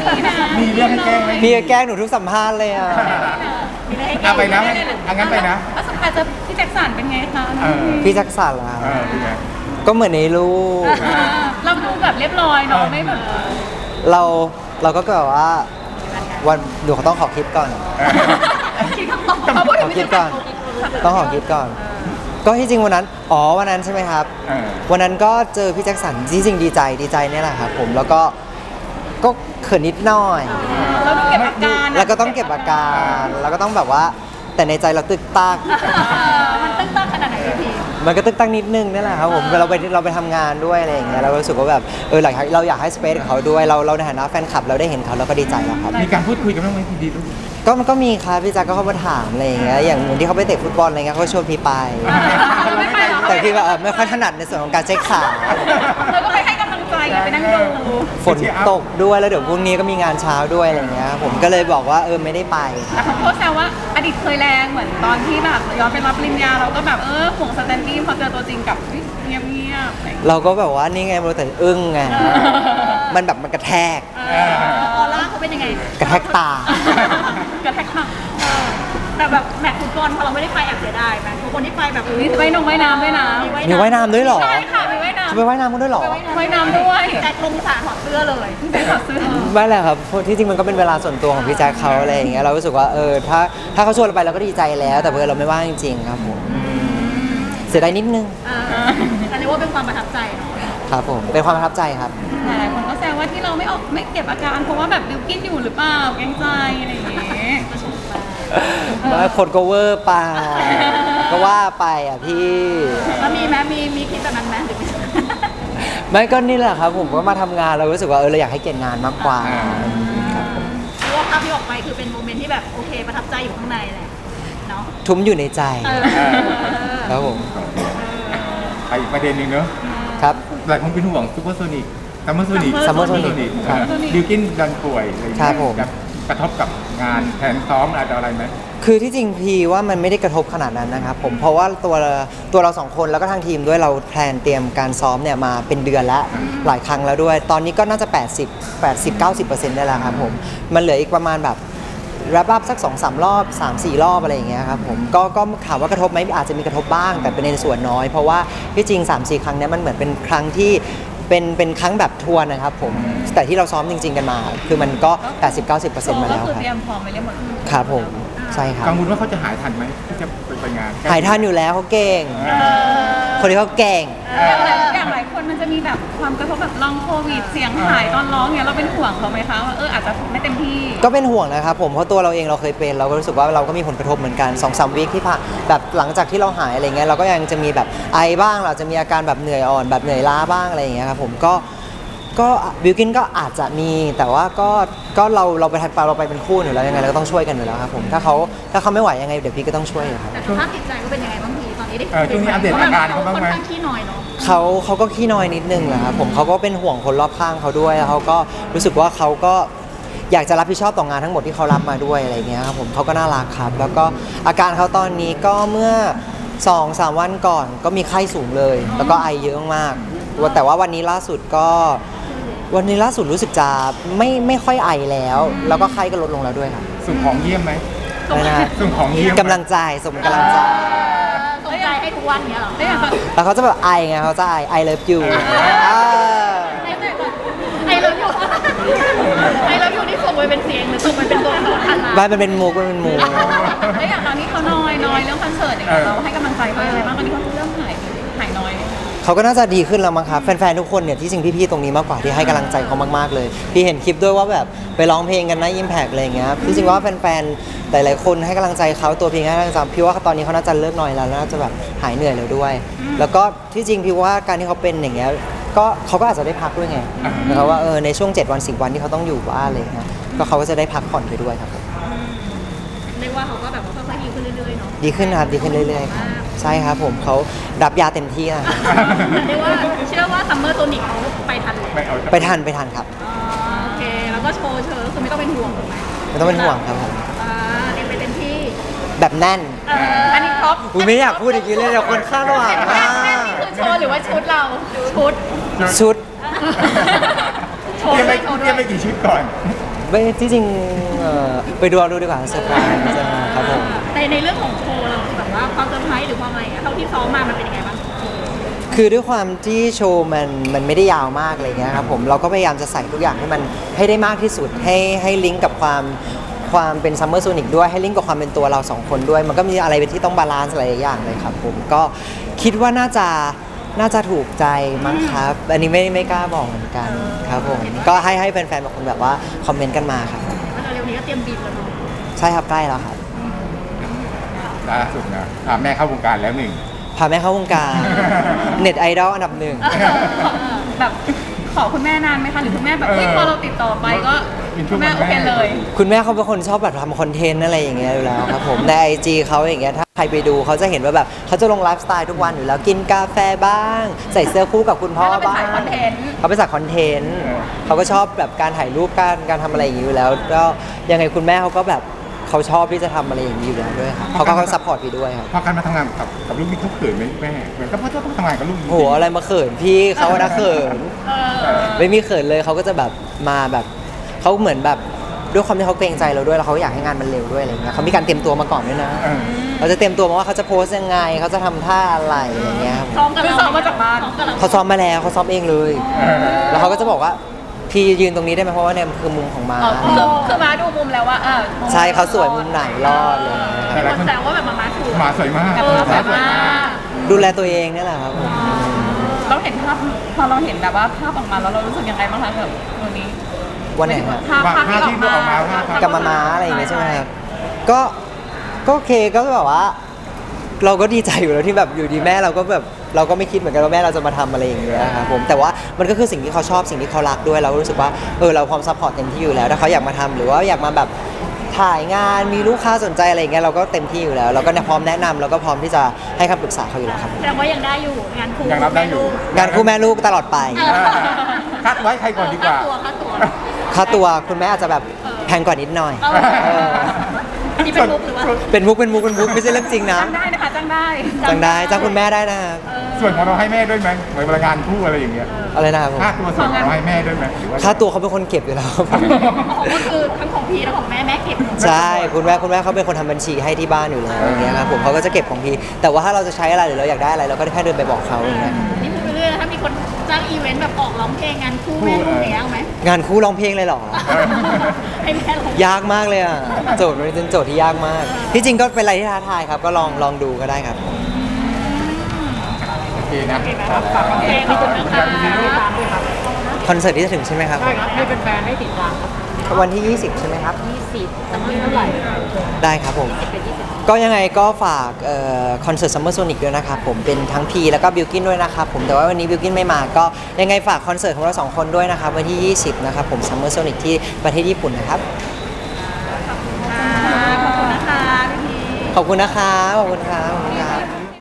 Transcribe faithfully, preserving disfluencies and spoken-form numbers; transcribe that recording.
มีเรื่องให้แกล้งไหมพี่แกล้งหนูทุกสัมภาษณ์เลยอ่ะเอาไปนะเอางั้นไปนะแล้วสุดท้ายจะพี่แจ็คสันเป็นไงคะเออพี่จักรสันล่ะเออเป็นไงก็เหมือนในรูปเราดูแบบเรียบร้อยเนาะไม่แบบเราเราก็แบบว่าวันเดี๋ยวเขาต้องขอคิดก่อนคิดคำตอบเขาพูดขถึอง คิดก่อน ต้องขอคิดก่อน ก็ที่จริงวันนั้น อ๋อวันนั้นใช่ไหมครับเออวันนั้นก็เจอพี่แจ็คสันจริงๆดีใจดีใจเนี่ยแหละครับผมแล้วก็ก็เขินนิดหน่อยเราต้องเก็บอาการแล้วก็ต้องเก็บอาการแล้วก็ต้องแบบว่า แต่ในใจเราตึกตักมันตึ้งตั้งขนาดไหนพี่มันก็ตึกตักนิดนึงนี่แหละครับผมเราไปเราไปทำงานด้วยอะไรอย่างเงี้ยเราก็รู้สึกว่าแบบเออหลังเราอยากให้สเปซกับเขาด้วยเราเราในฐานะแฟนคลับเราได้เห็นเขาเราก็ดีใจแล้วครับมีการพูดคุยกันบ้างไหมทีดีลูกก็มันก็มีครับพี่แจ็คก็เข้ามาถามอะไรอย่างเงี้ยอย่างเหมือนที่เขาไปเตะฟุตบอลอะไรเงี้ยเขาก็ชวนพี่ไปเราไม่ไปหรอแต่พี่ว่าเออไม่ค่อยถนัดในส่วนของการเช็คขาเราก็ไปให้กำลังใจไปนั่งดูฝนตกด้วยแล้วเดี๋ยวพรุ่งนี้ก็มีงานเช้าด้วยอะไรเงี้ยผมก็เลยบอกว่าเออไม่ได้ไปแต่เขาโพสต์แซวว่าอดีตเคยแรงเหมือนตอนที่แบบย้อนไปรับปริญญาเราก็แบบเออห่วงสแตนดี้พอเจอตัวจริงกับเงียบเงียบๆอะไรอย่างเงี้ยเราก็แบบว่านี่ไงเราแต่อึ้งไงมันแบบมันกระแทกเออออร่าเขาเป็นยังไงกระแทกตากระแทกข้างแต่แบบแมตช์ฟุตบอลพอเราไม่ได้ไปแอบเสียดายไหมทุกคนที่ไปแบบมีว่ายน้ำว่ายน้ำด้วยนะมีว่ายน้ำด้วยเหรอใช่ค่ะมีว่ายน้ำจะไปว่ายน้ำกันด้วยเหรอว่ายน้ำด้วยแต่ลงสระถอดเสื้อเลยแต่ถอดเสื้อไม่แหละครับเพราะที่จริงมันก็เป็นเวลาส่วนตัวของพี่แจ็คเขาอะไรอย่างเงี้ยเรารู้สึกว่าเออถ้าถ้าเขาชวนเราไปเราก็ดีใจแล้ว แต่เพื่อเราไม่ว่างจริงๆครับผมเสียดายนิดนึงอ่าอันนี้ว่าเป็นความประทับใจเนาะครับผมเป็นความประทับใจครับหลายๆคนก็แซวว่าที่เราไม่ออกไม่เก็บอาการเพราะว่าแบบบิวกินอยู่หรือเปล่าเกรงใจอะไรอย่างเงี้ยว่าคนก็เวอร์ไปก็ว่าไปอ่ะพี่แล้วมีไหมมีมีคิดแบบนั้นไหมหรือไม่ไม่ก็นี่แหละครับ ผมก็มาทำงานเรารู้สึกว่าเออเราอยากให้เกียรติงานมากกว่าครับผมเพราะว่าภาพที่ออกไปคือเป็นโมเมนต์ที่แบบโอเคประทับใจอยู่ข้างในแหละเนาะทุ้มอยู่ในใจเออครับผมไปอีกประเด็นหนึ่งเนอะครับหลายคนเป็นห่วงซูเปอร์โซนิกซัมเมอร์โซนิก Summer Sonic ครับบิวกินดันป่วยอะไรอย่างครัเงี้บผมยจะกระทบกับงานแผนซ้อมอะไรต่ออะไรไหมคือที่จริงพีว่ามันไม่ได้กระทบขนาดนั้นนะครับผมเพราะว่าตัวตัวเราสองคนแล้วก็ทางทีมด้วยเราแพลนเตรียมการซ้อมเนี่ยมาเป็นเดือนแล้วหลายครั้งแล้วด้วย ตอนนี้ก็น่าจะ 80 80 90เปอร์เซ็นต์ได้แล้วครับผมมันเหลืออีกประมาณแบบแรปอัพสัก สองสาม รอบ สามสี่ รอบอะไรอย่างเงี้ยครับผมก็ก็ถามว่ากระทบไหมอาจจะมีกระทบบ้าง แต่เป็นในส่วนน้อย เพราะว่าที่จริง สามสี่ ครั้งเนี้ยมันเหมือนเป็นครั้งที่เป็นเป็นครั้งแบบทัวร์นะครับผมแต่ที่เราซ้อมจริง ๆ กันมา คือมันก็ 80 90เปอร์เซ็นต์มาแล้วก็คือครับเตรียมพร้อมไปเรียบหมดครับผมใช่ครับกังวลว่าเขาจะหายทันไหมที่จะไปไปงานหายทันอยู่แล้วเขาเก่งเออคนที่เขาเก่งอย่างหลายอย่างหลายคนมันจะมีแบบความกระทบแบบลองโควิดเสียงหายตอนร้องเนี่ยเราเป็นห่วงเขาไหมคะว่าเอออาจจะไม่เต็มที่ก็เป็นห่วงนะครับผมเพราะตัวเราเองเราเคยเป็นเราก็รู้สึกว่าเราก็มีผลกระทบเหมือนกันสองสามวีคที่ผ่านแบบหลังจากที่เราหายอะไรเงี้ยเราก็ยังจะมีแบบไอบ้างเราจะมีอาการแบบเหนื่อยอ่อนแบบเหนื่อยล้าบ้างอะไรอย่างเงี้ยครับผมก็ก็บิวกินก็อาจจะมีแต่ว่าก็ก็เราเราไปทัดปาเราไปเป็นคู่อยู่แล้วยังไงเราก็ต้องช่วยกันอยู่แล้วครับผมถ้าเขาถ้าเขาไม่ไหวยังไงเดี๋ยวพี่ก็ต้องช่วยอยู่ครับแต่สภาพจิตใจก็เป็นยังไงบ้างพี่ตอนนี้ได้เออช่วงนี้อัปเดตอาการเขาบ้างไหมค่อนข้างขี้น้อยเนาะเขาเขาก็ขี้น้อยนิดนึงแหละครับผมเขาก็เป็นห่วงคนรอบข้างเขาด้วยแล้วเขาก็รู้สึกว่าเขาก็อยากจะรับผิดชอบต่องานทั้งหมดที่เขารับมาด้วยอะไรเงี้ยครับผมเขาก็น่ารักครับ แล้วก็อาการเขาตอนนี้ก็เมื่อสองสามวันก่อนก็มีไข้สูงเลย แล้วก็ไอเยอะมากแต่ว่าวันนี้ล่าสุดก็วันนี้ล่าสุดรู้สึกจะไม่ไม่ค่อยไอแล้ว แล้วก็ไข้ก็ลดลงแล้วด้วยครับส่งของเยี่ยมไหมไม่นะส่งของเยี่ยมไหมกำลังใจสมกำลังใจสนใจให้ทุกวันเนี้ยเหรอได้อย่างแบบแล้วเขาจะแบบไอไงเขาจะไอไอเลิฟยูไอเราอยู่ไอเราอยู่ที่ส่งไปเป็นเสียงหรือส่งไปเป็นตัวละครบ้านมันเป็นมูกมันเป็นมูกแล้วอย่างตอนนี้เขาน้อยน้อยเรื่องคอนเสิร์ตอย่างเงี้ยเราให้กำลังใจเขายังไงบ้างตอนนี้เขาเริ่มหายหายน้อยเขาก็น่าจะดีขึ้นแล้วมั้งครับแฟนๆทุกคนเนี่ยที่จริงพี่ๆตรงนี้มากกว่าที่ให้กำลังใจเขามากๆเลยพี่เห็นคลิปด้วยว่าแบบไปร้องเพลงกันนะอิมแพกอะไรอย่างเงี้ยที่จริงว่าแฟนๆหลายๆคนให้กำลังใจเขาตัวพี่ให้กำลังใจพี่ว่าตอนนี้เขาน่าจะเลิกหน่อยแล้วน่าจะแบบหายเหนื่อยแล้วด้วย แล้วก็ที่จริงพี่ว่าการที่เขาเป็นอย่างเงี้ยก็เขาก็อาจจะได้พักด้วยไงนะครับว่าเออในช่วงเจ็ดวันสิบวันที่เขาต้องอยู่บ้านอะไรอย่างเงี้ยก็เขาก็จะได้พักผ่อนไปด้วยครับผมเรียกว่าเขาก็แบบว่าค่อยๆดีขึ้นเรื่อยๆเนาะดีขึ้นนะครับดีขึ้นเรื่อยๆครับใช่ครับผมเขารับยาเต็มที่นะเรียกว่าเชื่อว่าซัมเมอร์โซนิกเขาไปทันเลยไม่เอาไปทันไปทันครับอ๋อโอเคแล้วก็โชว์เชิญคือไม่ต้องเป็นห่วงถูกไหมไม่ต้องเป็นห่วงครับผมอ่าเตรียมไปเต็มที่แบบแน่นเอ่ออันนี้ครบอุ๊ยไม่อยากพูดอย่างนี้เลยเดี๋ยวคนคาดหวังแน่มานแน่นนี่คือโชว์หรือว่าชุดเราชุดชุดโชว์เตรียมด้ไปวยโชว์เตด้รีวยมไปกี่ชุดก่อนไม่ที่จริงเอ่อไปดูเอาดูดีกว่าเซอร์ไพรส์ครับผมในในเรื่องของโชว์เราแบบว่าความเซอร์ไพรส์หรือความอะไรเงี้ยเท่าที่ซ้อมมามันเป็นยังไงบ้างคือด้วยความที่โชว์มันมันไม่ได้ยาวมากอะไรเงี้ยครับผมเราก็พยายามจะใส่ทุกอย่างให้มันให้ได้มากที่สุดให้ให้ลิงก์กับความความเป็นซัมเมอร์โซนิกด้วยให้ลิงก์กับความเป็นตัวเราสองคนด้วย มันก็มีอะไรเป็นที่ต้องบาลานซ์หลายอย่างเลยครับผมก็คิดว่าน่าจะน่าจะถูกใจมั้งครับ อันนี้ไม่ไม่กล้าบอกเหมือนกันครับผมก็ให้ให้แฟนๆบางคนแบบว่าคอมเมนต์กันมาครับแล้วเร็วนี้ก็เตรียมบินแล้วเนาะใช่ครับใกล้แล้วครับล่าสุดนะอ่ะแม่เข้าวงการแล้วหนึ่งพาแม่เข้าวงการ เน็ตไอดอลอันดับหนึ่งแบบขอคุณแม่นานไหมคะหรือคุณแม่แบบเฮ้ยเออพอเราติดต่อไปก็เป็นช่วคุงณแม่วันโอแม่เคเลยคุณแม่เขาเป็นคนชอบแบบทำคอนเทนต์อะไรอย่างเงี้ยอยู่แล้วครับผมในไอจีเขาอย่างเงี้ยถ้าใครไปดูเขาจะเห็นว่าแบบเขาจะลงไลฟ์สไตล์ทุกวันอยู่แล้วกินกาแฟบ้าง ใส่เสื้อคู่กับคุณพ่อบ้างเขาเป็นสายคอนเทนต์เขาเป็นสายคอนเทนต์เขาก็ชอบแบบการถ่ายรูปการการทำอะไรอย่างงี้อยู่แล้วก็ยังไงคุณแม่เขาก็แบบเขาชอบที่จะทำอะไรอย่างนี้อยู่แล้วด้วยครับเขาก็เขาซัพพอร์ตพี่ด้วยครับพอการมาทำงานกับกับลูกนี่เขาเขินไหมแม่เหมือนกับพ่อต้องทำงานกับลูกจริงๆโหอะไรมาเขินพี่เขาอะนะเขินเออไม่มีเขินเลยเขาก็จะแบบมาแบบเขาเหมือนแบบด้วยความที่เขาเกรงใจเราด้วยแล้วเขาอยากให้งานมันเร็วด้วยอะไรเงี้ยเขามีการเตรียมตัวมาก่อนด้วยนะเออเขาจะเตรียมตัวมาว่าเขาจะโพสต์ยังไงเขาจะทำท่าอะไรอย่างเงี้ยครับซ้อมกันเราซ้อมมาจากบ้านเขาซ้อมมาแล้วเขาซ้อมเองเลยเออแล้วเขาก็จะบอกว่าพี่ยืนตรงนี้ได้ไหมเพราะว่าเนี่ยมันคือมุมของม้าอ๋อคือคือมาดูมุมแล้วว่าเออมุมใช่เขาสวยมุมไหนรอดเลยมีคนแซวว่าแบบมามาถูกหมาสวยมากเออสวยมากดูแลตัวเองเนี่ยแหละครับผมเราเห็นภาพพอเราเห็นแบบว่าภาพออกมาแล้วเรารู้สึกยังไงบ้างคะกับตัวนี้วันไหนครับภาพภาพที่ออกมากับมาม้าอะไรอย่างเงี้ยใช่ไหมครับ ก็ก็โอเคก็แบบว่า เราก็ดีใจอยู่แล้วที่แบบอยู่ดีแม่เราก็แบบเราก็ไม่คิดเหมือนกันว่าแม่เราจะมาทำอะไรอย่างเงี้ยครับผมแต่ว่ามันก็คือสิ่งที่เขาชอบสิ่งที่เขารักด้วยเราก็รู้สึกว่าเออเราพร้อมซัพพอร์ตเต็มที่อยู่แล้วถ้าเขาอยากมาทำหรือว่าอยากมาแบบถ่ายงานมีลูกค้าสนใจอะไรอย่างเงี้ยเราก็เต็มที่อยู่แล้วเราก็พร้อมแนะนำเราก็พร้อมที่จะให้คำปรึกษาเขาอยู่แล้วครับแสดงว่ายังได้อยู่งานคู่ยังรับได้อยู่งานคู่แม่ลูกตลอดไปเออคัดไว้ใครก่อนดีกว่าค่าตัวค่าตัวค่าตัวคุณแม่อาจจะแบบแพงกว่านิดหน่อยเออเอออันนี้เป็นมุกหรือว่าเป็นมุกเป็นมุกเป็นมุกไม่ใช่เรื่องจริงนะจ้างได้นะคะจ้างได้จ้างได้จ้างคุณแม่ได้นะครับเออส่วนของเราให้แม่ด้วยไหมเหมือนเวลางานคู่อะไรอย่างเงี้ยอะไรนะครับผมค่าตัวส่วนของเราให้แม่ด้วยไหมหรือว่าค่าตัวเขาเป็นคนเก็บอยู่แล้วครับผมก็คือทั้งของพีและของแม่แม่เก็บใช่คุณแม่คุณแม่เขาเป็นคนทำบัญชีให้ที่บ้านอยู่แล้วอย่างเงี้ยครับผมเขาก็จะเก็บของพี่แต่ว่าถ้าเราจะใช้อะไรหรือเราอยากได้อะไรเราก็แค่เดินไปบอกเขาอย่างเงี้ยนี่พูดไปเรื่อยนะถ้ามีคนจ้างอีเวนต์แบบออกร้องเพลงงานคู่แม่ลูกอย่างเงี้ยเอาไหมงานคู่ร้องเพลงเลยเหรอให้แม่ร้องยากมากเลยอ่ะโจทย์มันเป็นโจทย์ที่ยากมาก ที่จริงก็เป็นอะไรที่ท้าทายครับก็ลองลองดูก็ได้ครับโอเคนะฝากเพลงขอบคุณนะคะคอนเสิร์ตที่จะถึงใช่ไหมครับใช่ครับให้เป็นแฟนให้ติดตามครับวันที่ ยี่สิบ ใช่ไหมครับยี่สิบตั้งที่เท่าไหร่ได้ครับผมเป็นยี่สิบก็ยังไงก็ฝากคอนเสิร์ตซัมเมอร์โซนิกด้วยนะครับผมเป็นทั้งพีแล้วก็บิวกินด้วยนะครับผมแต่ว่าวันนี้บิวกินไม่มาก็ยังไงฝากคอนเสิร์ตของเราสองคนด้วยนะครับวันที่ ยี่สิบ นะครับผมซัมเมอร์โซนิกที่ประเทศญี่ปุ่นนะครับขอบคุณนะคะพี่พีขอบคุณนะครับขอบคุณครับขอบคุณครับ